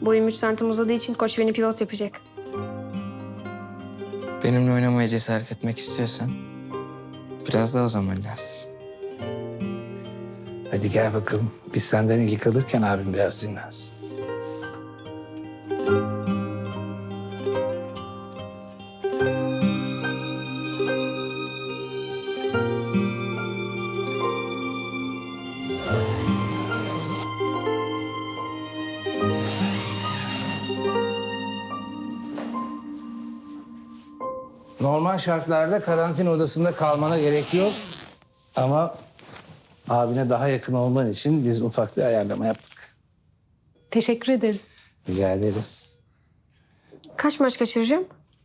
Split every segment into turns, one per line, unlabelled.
Boyum 3 santim uzadığı için koç beni pivot yapacak.
Benimle oynamaya cesaret etmek istiyorsan biraz daha o zaman lazım.
Hadi gel bakalım. Biz senden ilgi kalırken abim biraz dinlensin. Normal şartlarda karantina odasında kalmana gerek yok. Ama abine daha yakın olman için biz ufak bir ayarlama yaptık.
Teşekkür ederiz.
Rica ederiz.
Kaç maç kaçıracağım?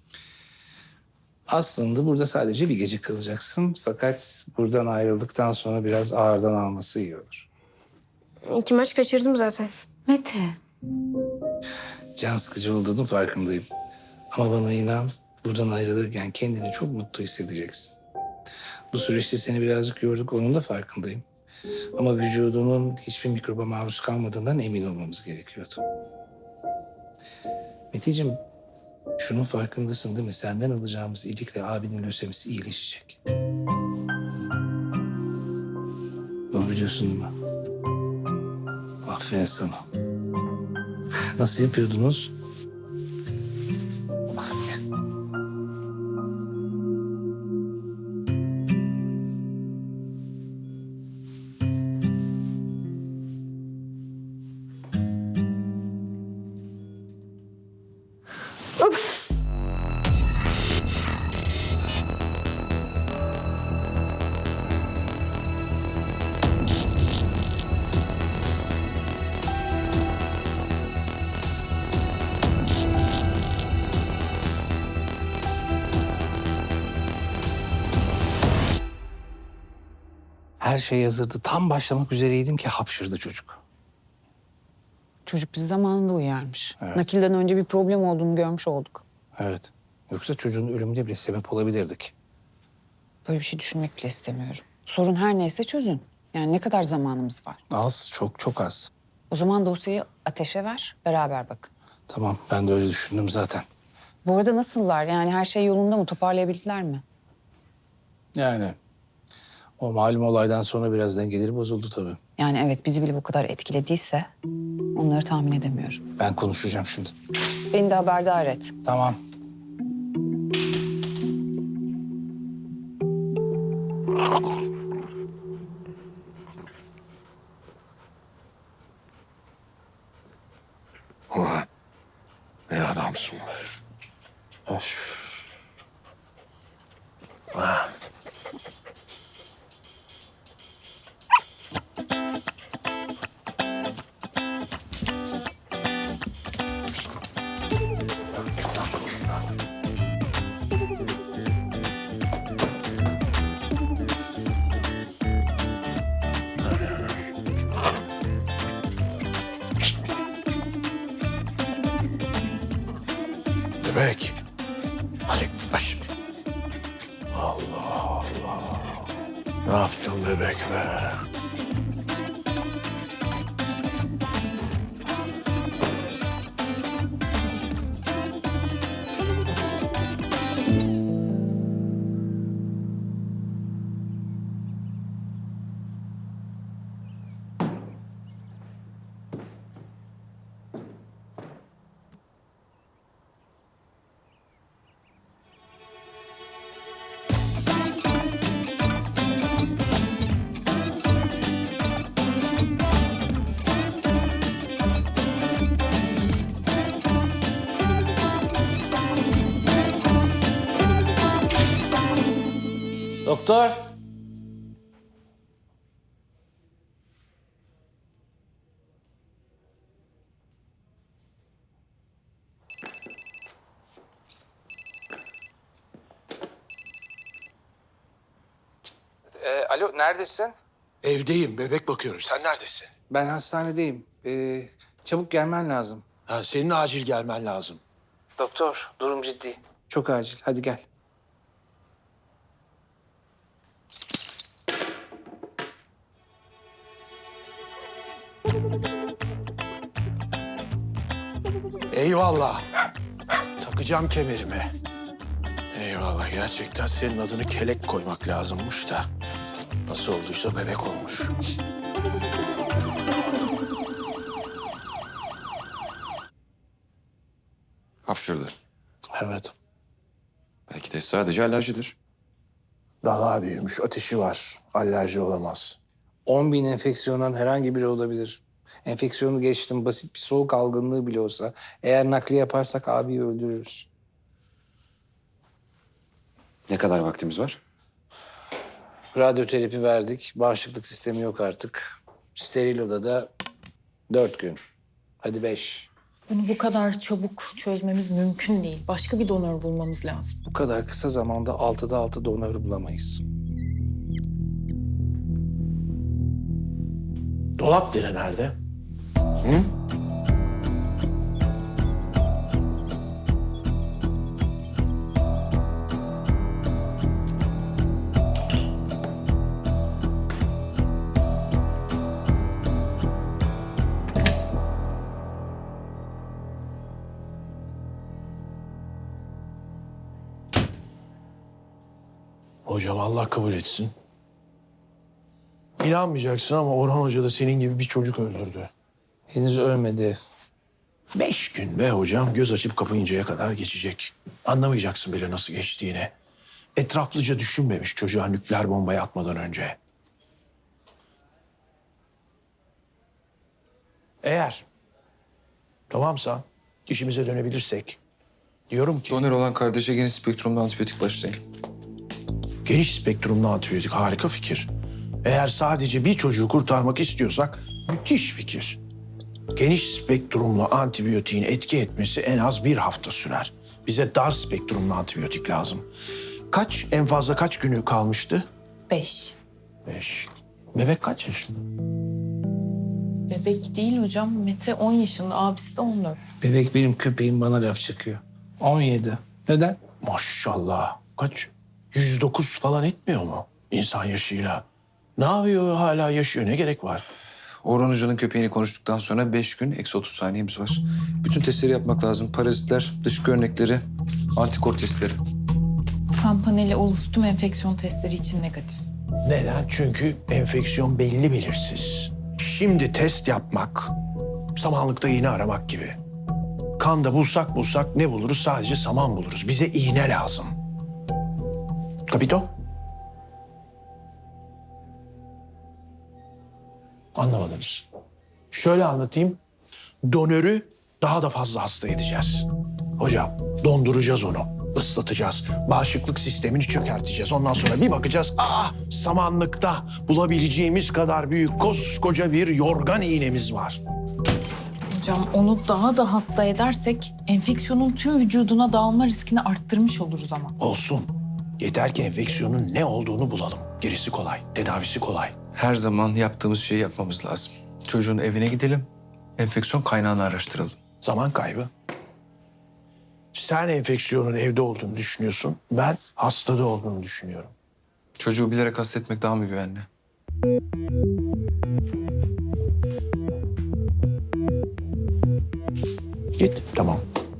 Aslında burada sadece bir gece kalacaksın. Fakat buradan ayrıldıktan sonra biraz ağırdan alması iyi olur.
2 maç kaçırdım zaten.
Mete.
Can sıkıcı olduğunun farkındayım. Ama bana inan, buradan ayrılırken kendini çok mutlu hissedeceksin. Bu süreçte seni birazcık yorduk, onun da farkındayım. Ama vücudunun hiçbir mikroba maruz kalmadığından emin olmamız gerekiyordu. Meteciğim, şunun farkındasın değil mi? Senden alacağımız iyilikle abinin lösemisi iyileşecek. Bunu biliyorsun değil mi? Aferin sana. Nasıl yapıyordunuz? Aferin. Her şey hazırdı. Tam başlamak üzereydim ki hapşırdı çocuk.
Çocuk bizi zamanında uyarmış.
Evet.
Nakilden önce bir problem olduğunu görmüş olduk.
Evet. Yoksa çocuğun ölümüne bile sebep olabilirdik.
Böyle bir şey düşünmek bile istemiyorum. Sorun her neyse çözün. Yani ne kadar zamanımız var?
Az, çok çok az.
O zaman dosyayı Ateş'e ver, beraber bakın.
Tamam, ben de öyle düşündüm zaten.
Bu arada nasıllar? Yani her şey yolunda mı? Toparlayabildiler mi?
Yani o malum olaydan sonra biraz dengeleri bozuldu tabii.
Yani evet bizi bile bu kadar etkilediyse onları tahmin edemiyorum.
Ben konuşacağım şimdi.
Beni de haberdar et.
Tamam.
Ulan ne adamsın be. Of. Ah. Bebek. Hadi baş. Allah Allah. Ne yaptın bebek be?
Doktor. Alo, neredesin?
Evdeyim, bebek bakıyorum. Sen neredesin?
Ben hastanedeyim. Çabuk gelmen lazım.
Ha, senin acil gelmen lazım.
Doktor, durum ciddi. Çok acil. Hadi gel.
Eyvallah. Takacağım kemerimi. Eyvallah, gerçekten senin adını Kelek koymak lazımmış da. Nasıl olduysa bebek olmuş.
Hapşırdı.
Evet.
Belki de sadece alerjidir.
Daha büyümüş, ateşi var. Alerji olamaz.
10.000 enfeksiyondan herhangi biri olabilir. Enfeksiyonu geçtim, basit bir soğuk algınlığı bile olsa eğer nakliye yaparsak abiyi öldürürüz.
Ne kadar vaktimiz var?
Radyoterapi verdik, bağışıklık sistemi yok artık. Steril odada 4 gün. Hadi 5.
Bunu bu kadar çabuk çözmemiz mümkün değil. Başka bir donör bulmamız lazım.
Bu kadar kısa zamanda 6'da 6 donör bulamayız.
Dolap dere nerede? Hocam Allah kabul etsin. İnanmayacaksın ama Orhan Hoca da senin gibi bir çocuk öldürdü.
Henüz ölmedi.
5 gün be hocam, göz açıp kapayıncaya kadar geçecek. Anlamayacaksın bile nasıl geçtiğini. Etraflıca düşünmemiş çocuğa nükleer bombayı atmadan önce. Eğer tamamsa, işimize dönebilirsek, diyorum ki
Donör olan kardeşe geniş spektrumlu antibiyotik başlayın.
geniş spektrumlu antibiyotik harika fikir. Eğer sadece bir çocuğu kurtarmak istiyorsak müthiş fikir. Geniş spektrumlu antibiyotiğin etki etmesi en az 1 hafta sürer. Bize dar spektrumlu antibiyotik lazım. En fazla kaç günü kalmıştı?
5.
5. Bebek kaç yaşında?
Bebek değil hocam. Mete 10 yaşında, abisi de 14.
Bebek benim köpeğim bana laf çakıyor. 17. Neden?
Maşallah. Kaç? 109 falan etmiyor mu insan yaşıyla? Ne yapıyor, hala yaşıyor, ne gerek var?
Orhan Hoca'nın köpeğini konuştuktan sonra 5 gün eksi 30 saniyemiz var. Bütün testleri yapmak lazım. Parazitler, dışkı örnekleri, antikor testleri.
Kan paneli olası tüm enfeksiyon testleri için negatif.
Neden? Çünkü enfeksiyon belli belirsiz. Şimdi test yapmak, samanlıkta iğne aramak gibi. Kanda bulsak ne buluruz? Sadece saman buluruz. Bize iğne lazım. Kapito? Anlamadınız. Şöyle anlatayım. Donörü daha da fazla hasta edeceğiz. Hocam, donduracağız onu. Islatacağız. Bağışıklık sistemini çökerteceğiz. Ondan sonra bir bakacağız. Samanlıkta bulabileceğimiz kadar büyük koskoca bir yorgan iğnemiz var.
Hocam onu daha da hasta edersek enfeksiyonun tüm vücuduna dağılma riskini arttırmış oluruz ama.
Olsun. Yeter ki enfeksiyonun ne olduğunu bulalım. Gerisi kolay. Tedavisi kolay.
Her zaman yaptığımız şeyi yapmamız lazım. Çocuğun evine gidelim, enfeksiyon kaynağını araştıralım.
Zaman kaybı. Sen enfeksiyonun evde olduğunu düşünüyorsun. Ben hastada olduğunu düşünüyorum.
Çocuğu bilerek hasta etmek daha mı güvenli?
Git. Tamam.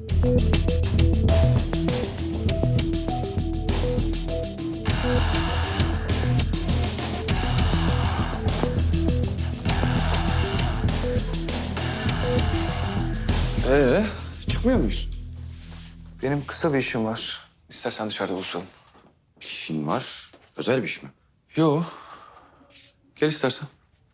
Çıkmıyor muyuz? Benim kısa bir işim var. İstersen dışarıda buluşalım.
İşin var. Özel bir iş mi?
Yo. Gel istersen.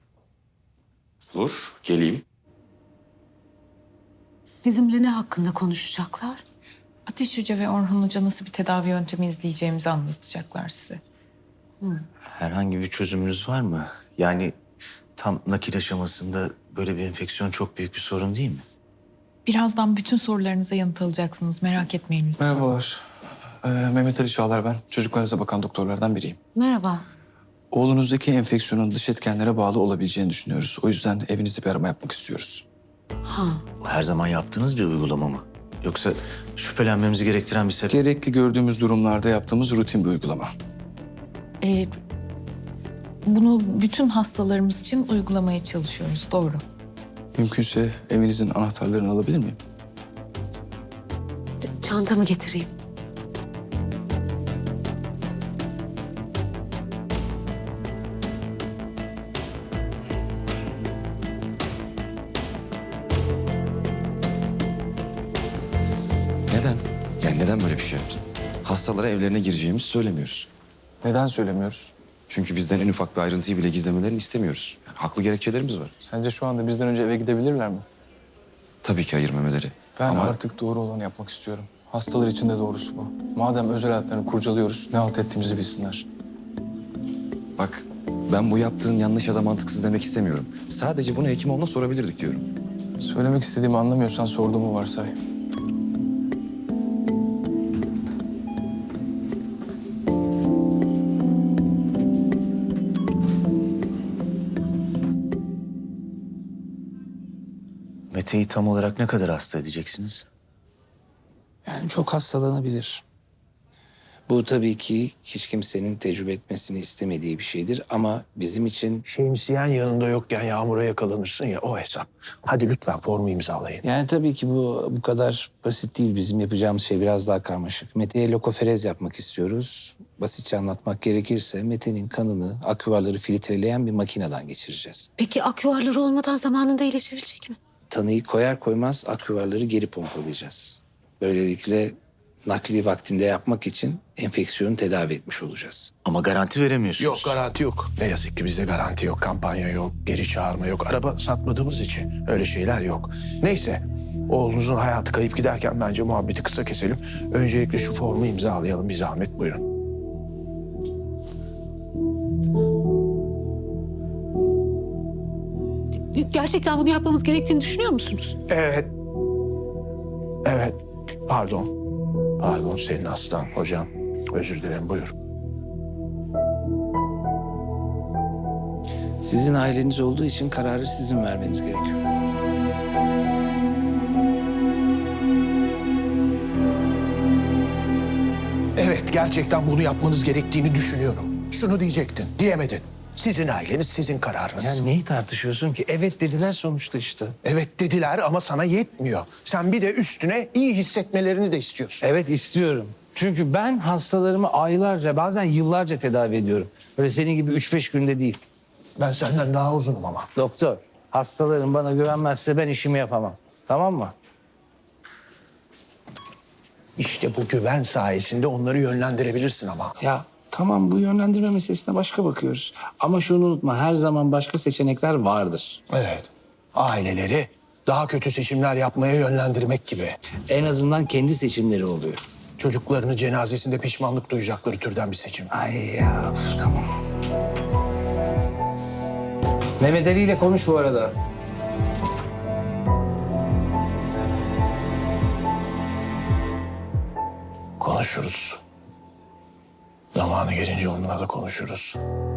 Olur. Geleyim.
Bizimle ne hakkında konuşacaklar?
Ateş Hoca ve Orhan Hoca nasıl bir tedavi yöntemi izleyeceğimizi anlatacaklar size.
Herhangi bir çözümünüz var mı? Yani tam nakil aşamasında böyle bir enfeksiyon çok büyük bir sorun değil mi?
Birazdan bütün sorularınıza yanıt alacaksınız. Merak etmeyin lütfen.
Merhabalar. Mehmet Ali Çağlar ben. Çocuklarınıza bakan doktorlardan biriyim.
Merhaba.
Oğlunuzdaki enfeksiyonun dış etkenlere bağlı olabileceğini düşünüyoruz. O yüzden evinizde bir arama yapmak istiyoruz.
Ha,
Her zaman yaptığınız bir uygulama mı? Yoksa şüphelenmemizi gerektiren bir sebep?
Gerekli gördüğümüz durumlarda yaptığımız rutin bir uygulama.
Bunu bütün hastalarımız için uygulamaya çalışıyoruz. Doğru.
Mümkünse evinizin anahtarlarını alabilir miyim?
Çantamı getireyim.
Neden? Yani neden böyle bir şey yaptın? Hastalara evlerine gireceğimizi söylemiyoruz.
Neden söylemiyoruz?
Çünkü bizden en ufak bir ayrıntıyı bile gizlemelerini istemiyoruz. Yani haklı gerekçelerimiz var.
Sence şu anda bizden önce eve gidebilirler mi?
Tabii ki hayır Mehmet Ali.
Ben
Ama
artık doğru olanı yapmak istiyorum. Hastalar için de doğrusu bu. Madem özel hayatlarını kurcalıyoruz, ne halt ettiğimizi bilsinler.
bak, ben bu yaptığın yanlış ya da mantıksız demek istemiyorum. Sadece bunu Hekimoğlu'na sorabilirdik diyorum.
Söylemek istediğimi anlamıyorsan sorduğumu varsay.
Mete'yi tam olarak ne kadar hasta edeceksiniz?
Yani çok hastalanabilir. Bu tabii ki hiç kimsenin tecrübe etmesini istemediği bir şeydir ama bizim için...
Şemsiyen yanında yokken yağmura yakalanırsın ya, o hesap. Hadi lütfen formu imzalayın.
Yani tabii ki bu kadar basit değil. Bizim yapacağımız şey biraz daha karmaşık. Mete'ye lokoferez yapmak istiyoruz. Basitçe anlatmak gerekirse Mete'nin kanını aküvarları filtreleyen bir makineden geçireceğiz.
Peki aküvarları olmadan zamanında iyileşebilecek mi?
Tanıyı koyar koymaz aküvarları geri pompalayacağız. Böylelikle nakli vaktinde yapmak için enfeksiyonu tedavi etmiş olacağız.
Ama garanti veremiyorsunuz.
Yok, garanti yok. Ne yazık ki bizde garanti yok, kampanya yok, geri çağırma yok. Araba satmadığımız için öyle şeyler yok. Neyse, oğlunuzun hayatı kayıp giderken bence muhabbeti kısa keselim. Öncelikle şu formu imzalayalım, bir zahmet buyurun.
Gerçekten bunu yapmamız gerektiğini düşünüyor musunuz?
Evet. Evet, pardon. Pardon, senin hastan hocam. Özür dilerim, buyur.
Sizin aileniz olduğu için kararı sizin vermeniz gerekiyor.
Evet, gerçekten bunu yapmanız gerektiğini düşünüyorum. Şunu diyecektin, diyemedin. Sizin aileniz, sizin kararınız.
Yani neyi tartışıyorsun ki? Evet dediler sonuçta işte.
Evet dediler ama sana yetmiyor. Sen bir de üstüne iyi hissetmelerini de istiyorsun.
Evet istiyorum. Çünkü ben hastalarımı aylarca bazen yıllarca tedavi ediyorum. Böyle senin gibi 3-5 günde değil.
Ben senden daha uzunum ama.
Doktor, hastalarım bana güvenmezse ben işimi yapamam. Tamam mı?
İşte bu güven sayesinde onları yönlendirebilirsin ama.
Ya tamam bu yönlendirme meselesine başka bakıyoruz. Ama şunu unutma her zaman başka seçenekler vardır.
Evet. Aileleri daha kötü seçimler yapmaya yönlendirmek gibi.
En azından kendi seçimleri oluyor.
Çocuklarını cenazesinde pişmanlık duyacakları türden bir seçim.
Ay ya tamam. Mehmet Ali ile konuş bu arada.
Konuşuruz. Zamanı gelince onunla da konuşuruz.